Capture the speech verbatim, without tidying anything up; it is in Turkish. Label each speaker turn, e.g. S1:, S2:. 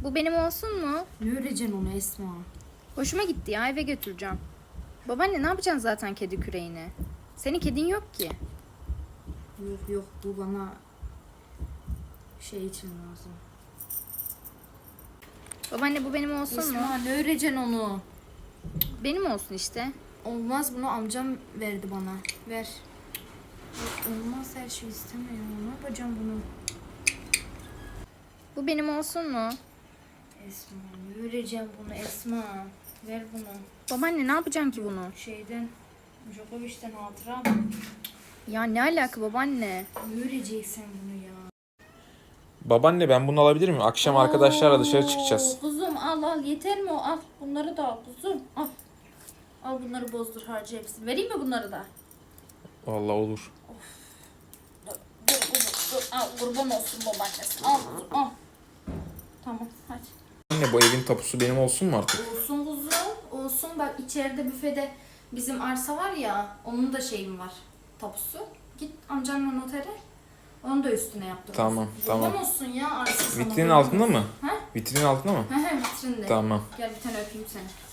S1: Bu benim olsun mu?
S2: Ne öreceksin onu Esma?
S1: Hoşuma gitti ya, eve götüreceğim. Babaanne ne yapacaksın zaten kedi küreğini? Senin kedin yok ki.
S2: Yok yok, bu bana şey için lazım.
S1: Babaanne bu benim olsun mu?
S2: Esma ne öreceksin onu?
S1: Benim olsun işte.
S2: Olmaz, bunu amcam verdi bana. Ver. Yok, olmaz, her şey istemiyorum. Ne yapacağım bunu?
S1: Bu benim olsun mu?
S2: Esma ne öreceğim bunu Esma? Ver bunu.
S1: Babaanne ne yapacaksın ki bunu?
S2: Şeyden, Djokovic'ten hatıra.
S1: Ya ne alaka babaanne?
S2: Ne öreceksin bunu ya?
S3: Babaanne ben bunu alabilir miyim? Akşam arkadaşlarla dışarı çıkacağız.
S2: Oo, kuzum al al, yeter mi o? Al bunları da al kuzum, al. Al bunları bozdur, harca hepsini. Vereyim mi bunları da?
S3: Vallahi olur.
S2: Dur, dur kuzum, dur. Al, kurban olsun babaannesi. Al kuzum, al. Tamam, hadi.
S3: Anne bu evin tapusu benim olsun mu artık?
S2: Olsun kuzum, olsun. Bak içeride büfede bizim arsa var ya, onun da şeyim var, tapusu. Git amcanla notere, onu da üstüne yaptır.
S3: Tamam, tamam.
S2: Kurban olsun ya arsa sana.
S3: Vitrinin
S2: kurban
S3: altında
S2: olsun.
S3: mı?
S2: Ha?
S3: Vitrinin altında mı?
S2: He he, vitrinde.
S3: Tamam.
S2: Gel bir tane öpeyim seni.